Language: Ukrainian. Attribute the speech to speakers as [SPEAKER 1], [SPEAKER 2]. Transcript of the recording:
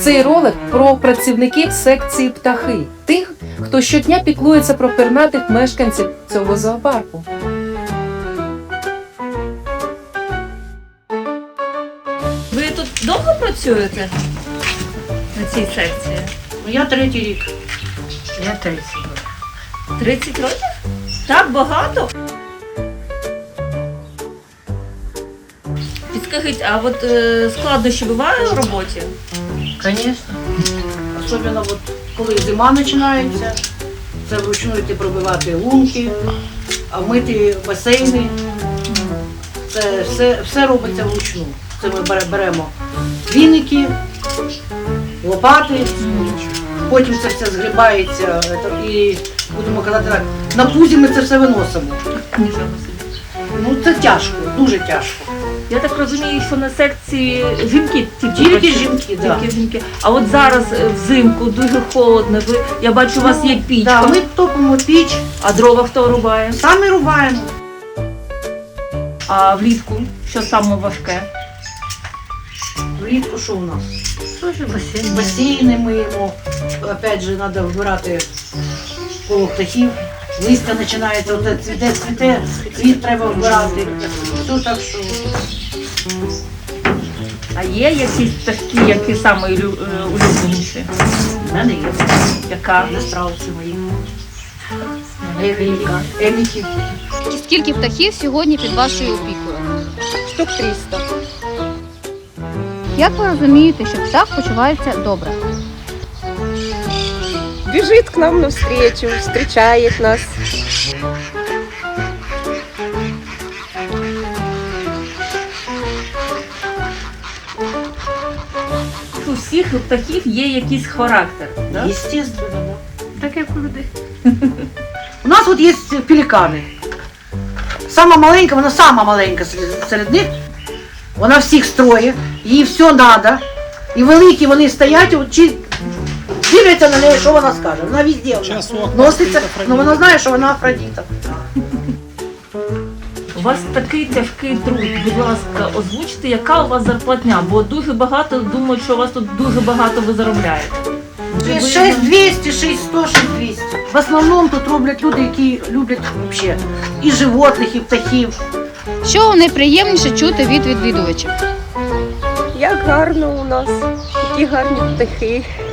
[SPEAKER 1] Цей ролик про працівників секції птахи, тих, хто щодня піклується про пернатих мешканців цього зоопарку.
[SPEAKER 2] Ви тут довго працюєте на цій секції?
[SPEAKER 3] Я 3-й рік.
[SPEAKER 4] Я 30.
[SPEAKER 2] 30 років? Так багато? Підскажіть, а от складнощі бувають в роботі?
[SPEAKER 4] Конечно.
[SPEAKER 3] Особливо, от, коли зима починається, це вручну йти пробивати лунки, а мити басейни. Це все робиться вручну. Це ми беремо віники, лопати, потім це все згрібається і, будемо казати так, на пузі ми це все виносимо.
[SPEAKER 2] Нічого собі.
[SPEAKER 3] Ну це тяжко, дуже тяжко.
[SPEAKER 2] Я так розумію, що на секції жінки
[SPEAKER 3] Тільки
[SPEAKER 2] працюють?
[SPEAKER 3] жінки, так.
[SPEAKER 2] Тільки жінки. А от зараз взимку дуже холодно, я бачу, у вас є пічка.
[SPEAKER 3] Да, ми топимо піч,
[SPEAKER 2] А дрова хто рубає?
[SPEAKER 3] самі рубаємо.
[SPEAKER 2] А влітку що саме важке?
[SPEAKER 3] Влітку що у нас?
[SPEAKER 4] Тоже бассейн.
[SPEAKER 3] Басейни миємо, опять же, треба вбирати коло птахів. Листя починається, от цвіте, цвіт треба вбирати. Все так що.
[SPEAKER 2] А є якісь пташки, які саме улюбленіші?
[SPEAKER 3] В мене є.
[SPEAKER 2] Яка?
[SPEAKER 3] Є страуси мої. Еміки.
[SPEAKER 5] Скільки птахів сьогодні під вашою опікою?
[SPEAKER 6] Штук 300.
[SPEAKER 5] Як ви розумієте, що птах почувається добре?
[SPEAKER 6] Бежит к нам навстречу, встречает нас.
[SPEAKER 2] У всіх птахів є якийсь характер. Да?
[SPEAKER 3] Естественно, да.
[SPEAKER 4] Так як у людей.
[SPEAKER 3] У нас от є пелікани. Сама маленька, вона сама маленька серед них. Вона всіх строє, їй все треба. І великі вони стоять, от, дивляться на неї, що вона скаже. Вона везде носиться, але вона знає, що вона Афродіта.
[SPEAKER 2] У вас такий тяжкий труд. Будь ласка, озвучте, яка у вас зарплатня, бо дуже багато думають, що у вас тут дуже багато ви заробляєте.
[SPEAKER 3] 6200, 6100, 6200. В основному тут роблять люди, які люблять взагалі і животних, і птахів.
[SPEAKER 5] Що найприємніше чути від відвідувачів?
[SPEAKER 6] Як гарно у нас, які гарні птахи.